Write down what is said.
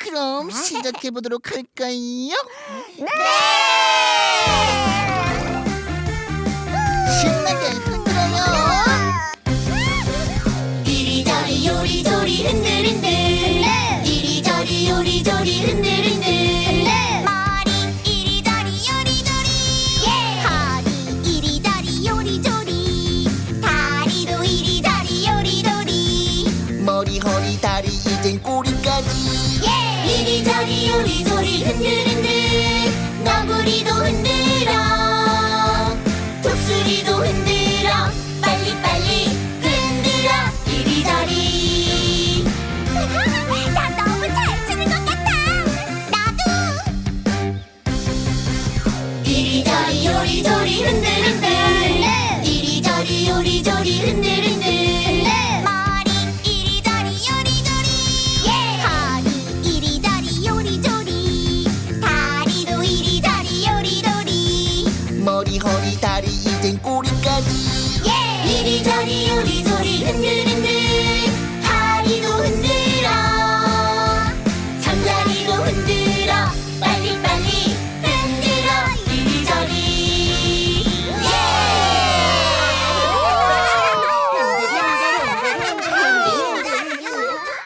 그럼 시작해보도록 할까요? 네! 신나게 흔들어요. 이리저리 요리조리 흔들흔들 이리저리 요리조리 흔들흔들 머리 이리저리 요리조리 허리 이리저리 요리조리 다리도 이리저리 요리조리 머리, 허리, 다리, 이젠 꼬리까지. 이리저리 요리조리 흔들흔들 너구리도 흔들어 독수리도 흔들어 빨리빨리 흔들어 이리저리 나 너무 잘 추는 것 같아 나도 이리저리 요리조리 흔들흔들 이리저리 요리조리 흔들흔들 머리 이리저리 요리조리 허리 이리저리 요리조리 다리도 이리저리 요리조리 머리, 허리, 다리, 이젠 꼬리까지. 이리저리 요리조리 흔들흔들